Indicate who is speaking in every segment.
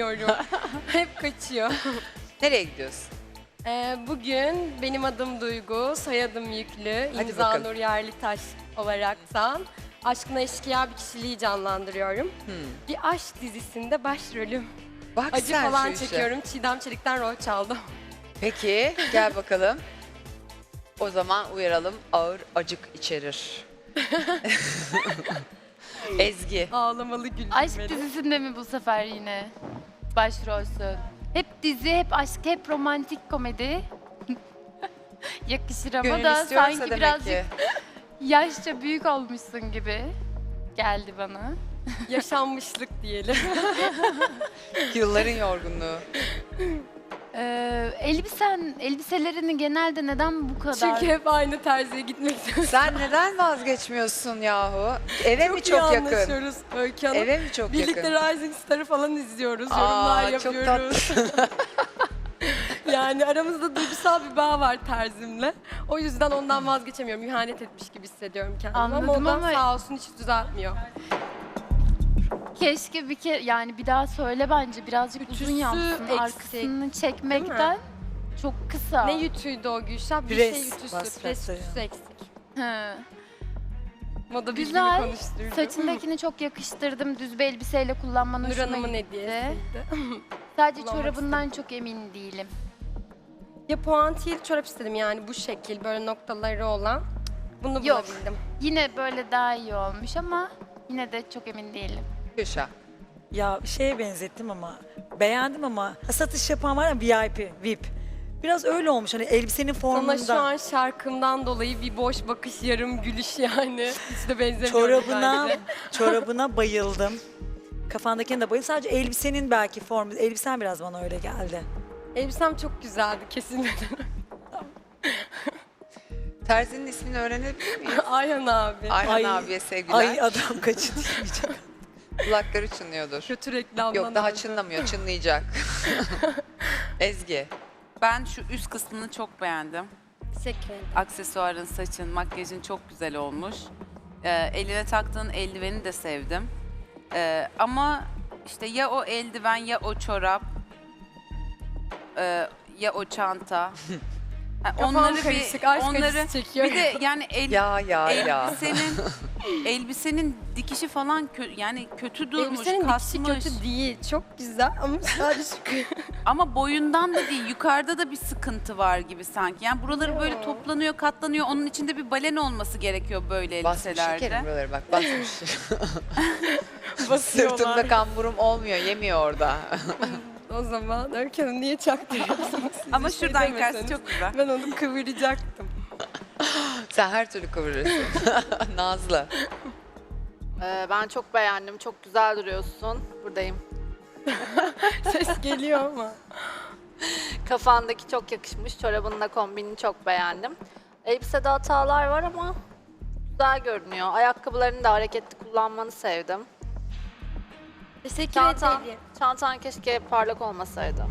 Speaker 1: gidemiyorum. Hep kaçıyor.
Speaker 2: Nereye gidiyorsun?
Speaker 1: Bugün benim adım Duygu, soyadım Yüklü,
Speaker 2: Hadi
Speaker 1: imza
Speaker 2: bakalım.
Speaker 1: Nur Yerlitaş olaraktan Aşkına Eşkıya bir kişiliği canlandırıyorum. Bir aşk dizisinde başrolüm.
Speaker 2: Bak
Speaker 1: Acı
Speaker 2: sen
Speaker 1: falan
Speaker 2: şu işe.
Speaker 1: çekiyorum. Çiğdem Çelik'ten rol çaldım.
Speaker 2: Peki gel bakalım. O zaman uyaralım, ağır acık içerir. Ezgi.
Speaker 1: Ağlamalı güldüm
Speaker 3: Aşk
Speaker 1: beni.
Speaker 3: dizisinde mi bu sefer yine başrolsün? Hep dizi, hep aşk, hep romantik komedi. Yakışır ama
Speaker 2: Gönül
Speaker 3: da
Speaker 2: istiyorsa
Speaker 3: sanki
Speaker 2: demek
Speaker 3: birazcık
Speaker 2: ki.
Speaker 3: yaşça büyük olmuşsun gibi geldi bana.
Speaker 1: Yaşanmışlık diyelim.
Speaker 2: Yılların yorgunluğu.
Speaker 3: Elbiselerini genelde neden bu kadar?
Speaker 1: Çünkü hep aynı terziye gitmek istiyorum.
Speaker 2: Sen neden vazgeçmiyorsun yahu? Eve mi
Speaker 1: iyi
Speaker 2: çok yakın?
Speaker 1: anlaşıyoruz Öykü Hanım.
Speaker 2: Eve mi çok
Speaker 1: Birlikte
Speaker 2: yakın?
Speaker 1: Rising Star'ı falan izliyoruz,
Speaker 2: Aa,
Speaker 1: yorumlar
Speaker 2: çok
Speaker 1: yapıyoruz. Yani aramızda duygusal bir bağ var terzimle. O yüzden ondan vazgeçemiyorum. İhanet etmiş gibi hissediyorum kendimi.
Speaker 3: Anladım
Speaker 1: ama ondan
Speaker 3: ama-
Speaker 1: sağ olsun hiç düzeltmiyor.
Speaker 3: Keşke bir kere yani bir daha söyle bence birazcık
Speaker 1: Ütüsü
Speaker 3: uzun yapsın.
Speaker 1: eksik,
Speaker 3: Arkasını çekmekten çok kısa.
Speaker 1: Ne ütüydü o Gülşah? Bir
Speaker 4: Pres,
Speaker 1: şey ütüsü,
Speaker 4: bas
Speaker 1: pres
Speaker 4: presleri.
Speaker 1: ütüsü eksik.
Speaker 3: He.
Speaker 1: Moda bilgimi
Speaker 3: Güzel.
Speaker 1: konuşturdum.
Speaker 3: Saçındakini çok yakıştırdım. Düz bir elbiseyle kullanman
Speaker 1: Nur
Speaker 3: hoşuma
Speaker 1: Hanım'ın
Speaker 3: gitti.
Speaker 1: hediyesiydi.
Speaker 3: Sadece
Speaker 1: Kullanmak
Speaker 3: çorabından çok emin değilim.
Speaker 1: Ya puantiyeli çorap istedim yani bu şekil, böyle noktaları olan. Bunu
Speaker 3: Yok.
Speaker 1: bulabildim.
Speaker 3: Yine böyle daha iyi olmuş ama yine de çok emin değilim.
Speaker 2: Gülşah.
Speaker 4: Ya şeye benzettim ama beğendim ama satış yapan var ya VIP, VIP. Biraz öyle olmuş hani elbisenin formunda.
Speaker 1: Sana şu an şarkımdan dolayı bir boş bakış, yarım gülüş yani. Hiç de benzemiyor
Speaker 4: çorabına,
Speaker 1: bence.
Speaker 4: çorabına bayıldım. Kafandakine de bayıldım. Sadece elbisenin belki formu. Elbisen biraz bana öyle geldi.
Speaker 1: Elbisem çok güzeldi kesinlikle.
Speaker 2: Terzinin ismini öğrenebilir miyiz?
Speaker 1: Ayhan abi.
Speaker 2: Ayhan
Speaker 4: Ay,
Speaker 2: abiye sevgiler.
Speaker 4: Ay adam kaçı diyeceğim.
Speaker 2: Kulakları çınlıyordur.
Speaker 1: Kötü reklamdan.
Speaker 2: Yok daha
Speaker 1: aldım.
Speaker 2: çınlamıyor, çınlayacak. Ezgi.
Speaker 5: Ben şu üst kısmını çok beğendim.
Speaker 1: Teşekkür ederim.
Speaker 5: Aksesuarın, saçın, makyajın çok güzel olmuş. Eline taktığın eldiveni de sevdim. Ama işte ya o eldiven ya o çorap ya o çanta. Ha,
Speaker 1: Kafam karışık, aşk acısı çekiyorum.
Speaker 5: bir de yani
Speaker 2: Ya.
Speaker 5: elbisenin dikişi falan yani kötü durmuş,
Speaker 1: Elbisenin
Speaker 5: kasmış.
Speaker 1: dikişi kötü değil. Çok güzel ama sadece
Speaker 5: Ama boyundan da değil, yukarıda da bir sıkıntı var gibi sanki. Yani buraları böyle
Speaker 1: Yo.
Speaker 5: toplanıyor, katlanıyor. Onun içinde bir balen olması gerekiyor böyle
Speaker 2: Basmış
Speaker 5: elbiselerde.
Speaker 2: şekerim buraları bak basmış.
Speaker 1: basıyorlar.
Speaker 2: Sırtımda kamburum olmuyor, yemiyor orada.
Speaker 1: O zaman Öykü Hanım niye çaktırıyorsunuz? Siz
Speaker 5: Ama
Speaker 1: bir şey
Speaker 5: şuradan
Speaker 1: demeseniz
Speaker 5: yukarısı çok güzel.
Speaker 1: Ben onu kıvıracaktım.
Speaker 2: Sen her türlü kıvırırsın. Nazlı.
Speaker 6: Ben çok beğendim. Çok güzel duruyorsun. Buradayım.
Speaker 1: Ses geliyor ama.
Speaker 6: Kafandaki çok yakışmış. Çorabınla kombinini çok beğendim. Elbisede hatalar var ama güzel görünüyor. Ayakkabılarını da hareketli kullanmanı sevdim.
Speaker 1: Teşekkür
Speaker 6: Çantan,
Speaker 1: ederim.
Speaker 6: çantan keşke parlak olmasaydı.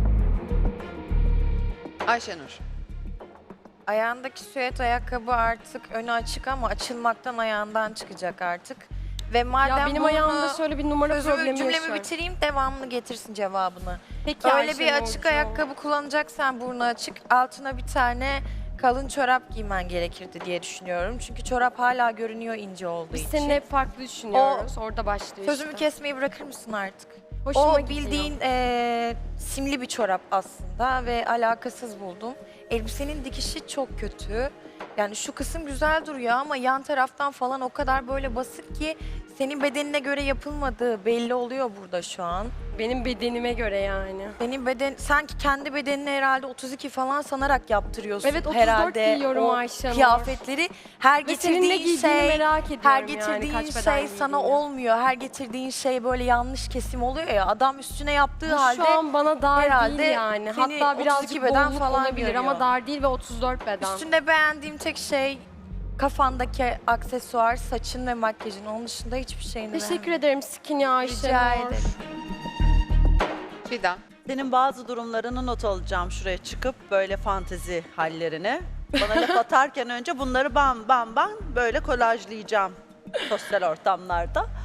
Speaker 2: Ayşenur.
Speaker 7: Ayağındaki süet ayakkabı artık önü açık ama açılmaktan ayağından çıkacak artık. Ve madem
Speaker 1: Ya benim ayağımda şöyle bir numara problemi
Speaker 7: cümlemi
Speaker 1: yaşıyorum.
Speaker 7: bitireyim devamını getirsin cevabını.
Speaker 1: Peki
Speaker 7: Öyle bir
Speaker 1: Ayşenur,
Speaker 7: açık
Speaker 1: çok.
Speaker 7: ayakkabı kullanacaksan burnu açık altına bir tane kalın çorap giymen gerekirdi diye düşünüyorum. Çünkü çorap hala görünüyor ince olduğu
Speaker 1: Biz
Speaker 7: için.
Speaker 1: seninle hep farklı düşünüyoruz. Orada başlıyor
Speaker 7: Sözümü
Speaker 1: işte.
Speaker 7: kesmeyi bırakır mısın artık?
Speaker 1: Hoşuma
Speaker 7: O
Speaker 1: gidiyor.
Speaker 7: bildiğin simli bir çorap aslında ve alakasız buldum. Elbisenin dikişi çok kötü. Yani şu kısım güzel duruyor ama yan taraftan falan o kadar böyle basık ki senin bedenine göre yapılmadığı belli oluyor burada şu an.
Speaker 1: Benim bedenime göre yani.
Speaker 7: Senin beden sanki kendi bedenini herhalde 32 falan sanarak yaptırıyorsun
Speaker 1: Evet, 34
Speaker 7: herhalde.
Speaker 1: giyiyorum
Speaker 7: o
Speaker 1: Ayşenur.
Speaker 7: kıyafetleri her
Speaker 1: Ve senin ne
Speaker 7: getirdiğin
Speaker 1: giydiğini
Speaker 7: şey
Speaker 1: merak ediyorum
Speaker 7: her
Speaker 1: yani,
Speaker 7: getirdiğin
Speaker 1: kaç beden
Speaker 7: şey sana
Speaker 1: giydiğini.
Speaker 7: olmuyor. Her getirdiğin şey böyle yanlış kesim oluyor ya. Adam üstüne yaptığı
Speaker 1: Bu
Speaker 7: halde
Speaker 1: şu an bana dar
Speaker 7: herhalde
Speaker 1: değil yani.
Speaker 7: seni
Speaker 1: Hatta birazcık
Speaker 7: 32 beden
Speaker 1: bolluk
Speaker 7: falan
Speaker 1: olabilir
Speaker 7: görüyor.
Speaker 1: ama dar değil ve 34 beden.
Speaker 7: üstünde beğendiğim tek şey kafandaki aksesuar, saçın ve makyajın. Onun dışında hiçbir şeyini
Speaker 1: Teşekkür ederim Skinny Ayşenur.
Speaker 7: Rica ederim.
Speaker 2: Fidan.
Speaker 8: Senin bazı durumlarını not alacağım şuraya çıkıp böyle fantezi hallerini. Bana laf atarken önce bunları bam bam bam böyle kolajlayacağım sosyal ortamlarda.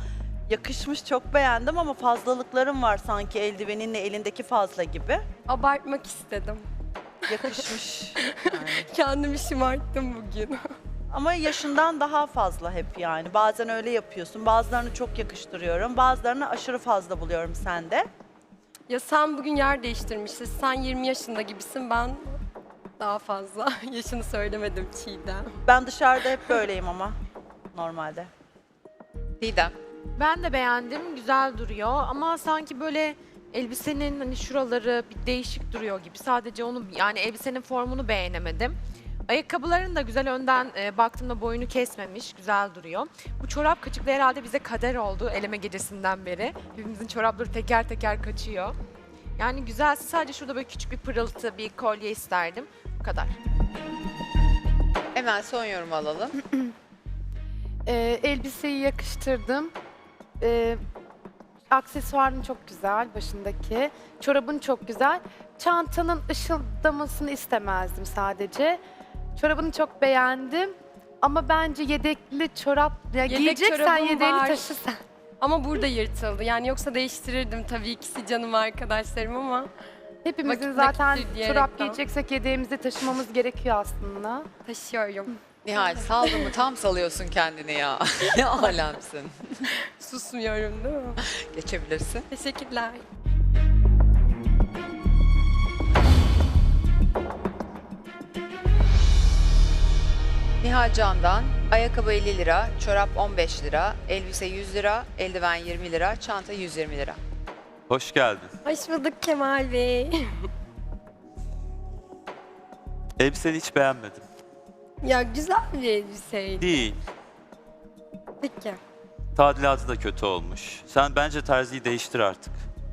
Speaker 8: Yakışmış, çok beğendim ama fazlalıklarım var sanki eldiveninle elindeki fazla gibi.
Speaker 1: Abartmak istedim.
Speaker 8: Yakışmış. Yani.
Speaker 1: Kendimi şımarttım bugün.
Speaker 8: Ama yaşından daha fazla hep yani. Bazen öyle yapıyorsun. Bazılarını çok yakıştırıyorum. Bazılarını aşırı fazla buluyorum sende.
Speaker 1: Ya sen bugün yer değiştirmişsin. Sen 20 yaşında gibisin. Ben daha fazla. Yaşını söylemedim Çiğdem.
Speaker 8: Ben dışarıda hep böyleyim ama normalde.
Speaker 2: Didem.
Speaker 9: Ben de beğendim, güzel duruyor ama sanki böyle elbisenin hani şuraları bir değişik duruyor gibi. Sadece onu yani elbisenin formunu beğenemedim. Ayakkabıların da güzel önden baktığımda boyunu kesmemiş, güzel duruyor. Bu çorap kaçıklı herhalde bize kader oldu eleme gecesinden beri. Hepimizin çorapları teker teker kaçıyor. Yani güzelse sadece şurada böyle küçük bir pırıltı, bir kolye isterdim. Bu kadar.
Speaker 2: Hemen son yorum alalım.
Speaker 3: Elbiseyi yakıştırdım. Aksesuarın çok güzel başındaki. Çorabın çok güzel. Çantanın ışıldamasını istemezdim sadece. Çorabını çok beğendim. Ama bence yedekli çorap, ya
Speaker 1: Yedek
Speaker 3: giyeceksen
Speaker 1: çorabım
Speaker 3: yedeğini
Speaker 1: var.
Speaker 3: taşı sen.
Speaker 1: Ama burada yırtıldı. Yani yoksa değiştirirdim tabii, ikisi canım arkadaşlarım ama
Speaker 3: Hepimizin
Speaker 1: Vakit
Speaker 3: zaten
Speaker 1: nakittir
Speaker 3: çorap
Speaker 1: diyerekten.
Speaker 3: giyeceksek yedeğimizi taşımamız gerekiyor aslında.
Speaker 1: taşıyorum.
Speaker 2: Nihal saldın mı tam salıyorsun kendini ya. Ne alemsin.
Speaker 1: Susmuyorum değil mi?
Speaker 2: Geçebilirsin.
Speaker 1: Teşekkürler.
Speaker 2: Nihal Can'dan ayakkabı 50 lira, çorap 15 lira, elbise 100 lira, eldiven 20 lira, çanta 120 lira.
Speaker 10: Hoş geldin.
Speaker 1: Hoş bulduk Kemal Bey.
Speaker 10: Elbiseni hiç beğenmedim.
Speaker 1: Ya güzel bir elbiseydi.
Speaker 10: Değil.
Speaker 1: Peki.
Speaker 10: Tadilatı da kötü olmuş. Sen bence terziyi değiştir artık.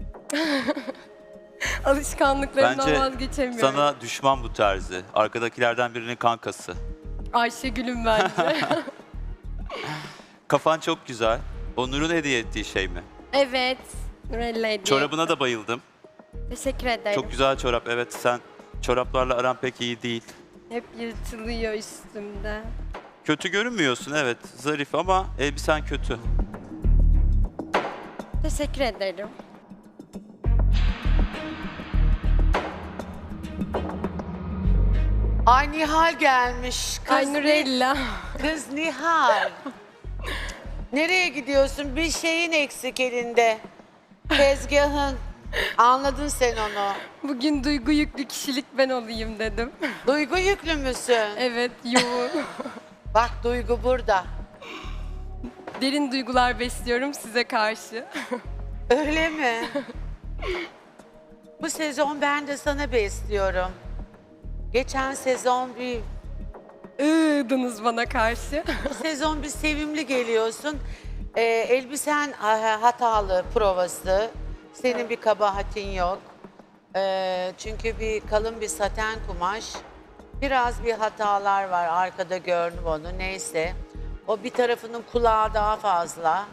Speaker 1: Alışkanlıklarımdan
Speaker 10: Bence
Speaker 1: vazgeçemiyorum.
Speaker 10: sana düşman bu terzi. Arkadakilerden birinin kankası.
Speaker 1: Ayşegül'üm bence.
Speaker 10: Kafan çok güzel. O Nur'un hediye ettiği şey mi?
Speaker 1: Evet. Nurella hediye.
Speaker 10: Çorabına da bayıldım.
Speaker 1: Teşekkür ederim.
Speaker 10: Çok güzel çorap. Evet, sen çoraplarla aran pek iyi değil.
Speaker 1: Hep yırtılıyor üstümde.
Speaker 10: Kötü görünmüyorsun, evet. Zarif ama elbisen kötü.
Speaker 1: Teşekkür ederim.
Speaker 11: Ay Nihal gelmiş.
Speaker 1: Ay Nurella.
Speaker 11: Kız Nihal. Nereye gidiyorsun? Bir şeyin eksik elinde. Tezgahın. Anladın sen onu.
Speaker 1: Bugün duygu yüklü kişilik ben olayım dedim.
Speaker 11: Duygu yüklü müsün?
Speaker 1: Evet, yoğun.
Speaker 11: Bak Duygu burada.
Speaker 1: Derin duygular besliyorum size karşı.
Speaker 11: Öyle mi? Bu sezon ben de sana besliyorum. Geçen sezon bir
Speaker 1: Iğdınız bana karşı.
Speaker 11: Bu sezon bir sevimli geliyorsun. Elbisen hatalı provası. Senin bir kabahatin yok. Çünkü bir kalın bir saten kumaş. Biraz bir hatalar var. Arkada gördüm onu. Neyse. O bir tarafının kulağı daha fazla.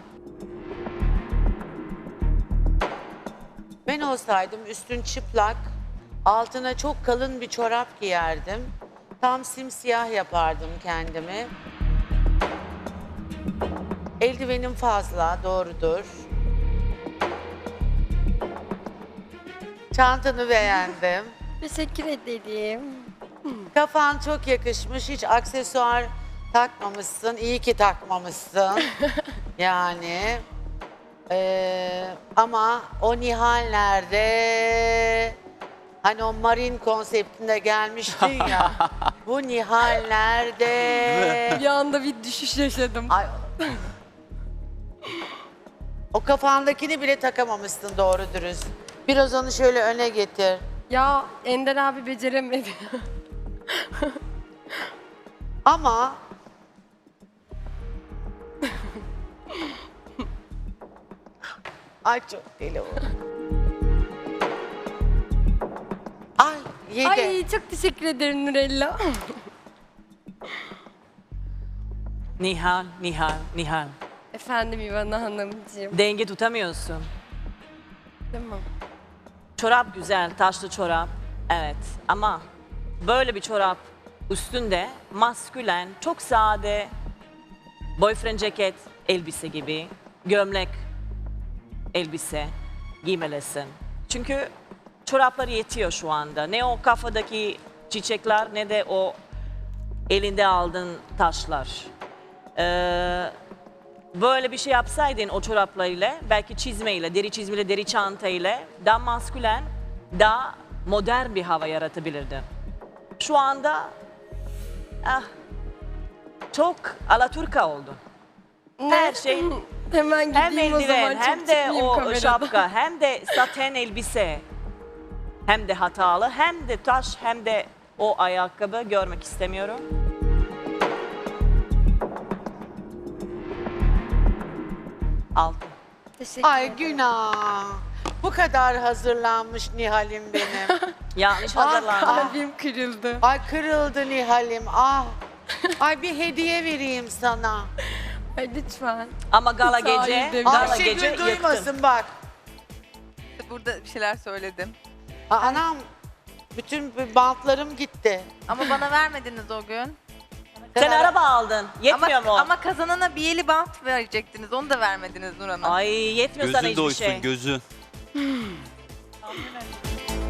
Speaker 11: Ben olsaydım üstün çıplak, altına çok kalın bir çorap giyerdim. Tam simsiyah yapardım kendimi. Eldivenim fazla, doğrudur. Çantanı beğendim.
Speaker 1: Teşekkür ederim.
Speaker 11: Kafan çok yakışmış, hiç aksesuar takmamışsın. İyi ki takmamışsın. Yani. Ama o Nihal nerede? Hani o marin konseptinde gelmiştin ya. Bu Nihal nerede?
Speaker 1: Bir anda bir düşüş yaşadım.
Speaker 11: Ay. O kafandakini bile takamamışsın doğru dürüst. Biraz onu şöyle öne getir.
Speaker 1: Ya Ender abi beceremedi.
Speaker 11: Ama ay çok deli oldu. Ay yedi.
Speaker 1: Ay çok teşekkür ederim Nurella.
Speaker 12: Nihal, Nihal, Nihal.
Speaker 1: Efendim İvana Hanımcığım.
Speaker 12: Denge tutamıyorsun.
Speaker 1: Tamam.
Speaker 12: Çorap güzel, taşlı çorap. Evet ama böyle bir çorap üstünde maskülen, çok sade boyfriend ceket elbise gibi, gömlek elbise giymelisin. Çünkü çoraplar yetiyor şu anda. Ne o kafadaki çiçekler ne de o elinde aldığın taşlar. Böyle bir şey yapsaydın o çoraplarıyla, belki çizmeyle, deri çizmeyle, deri çantayla daha maskülen, daha modern bir hava yaratabilirdin. Şu anda çok alaturka oldu. Her şey
Speaker 1: Hemen
Speaker 12: hem
Speaker 1: gideyim o zaman.
Speaker 12: eldiven
Speaker 1: Çok
Speaker 12: hem de
Speaker 1: çıkmayayım
Speaker 12: o
Speaker 1: kamerada.
Speaker 12: şapka hem de saten elbise hem de hatalı hem de taş hem de o ayakkabı görmek istemiyorum. Altı.
Speaker 1: Teşekkür
Speaker 11: Ay
Speaker 1: ederim.
Speaker 11: günah. Bu kadar hazırlanmış Nihal'im benim.
Speaker 12: Yanlış
Speaker 11: Ah,
Speaker 12: hazırlandı.
Speaker 1: Kalbim kırıldı.
Speaker 11: Ay kırıldı Nihal'im. Ah. Ay bir hediye vereyim sana.
Speaker 1: Ay lütfen.
Speaker 12: Ama gala
Speaker 1: Sağ ol,
Speaker 12: gece,
Speaker 1: Demir.
Speaker 12: gala
Speaker 11: Ayşegül
Speaker 12: gece yıktın.
Speaker 11: duymasın bak.
Speaker 13: Burada bir şeyler söyledim.
Speaker 11: Anam bütün bantlarım gitti.
Speaker 13: Ama bana vermediniz o gün.
Speaker 12: Sen araba aldın. Yetmiyor mu?
Speaker 13: Ama kazanana bir eli bant verecektiniz. Onu da vermediniz Nur Hanım.
Speaker 12: Ay yetmiyor sana
Speaker 10: Gözün
Speaker 12: hiçbir
Speaker 10: doysun
Speaker 12: şey.
Speaker 10: gözün.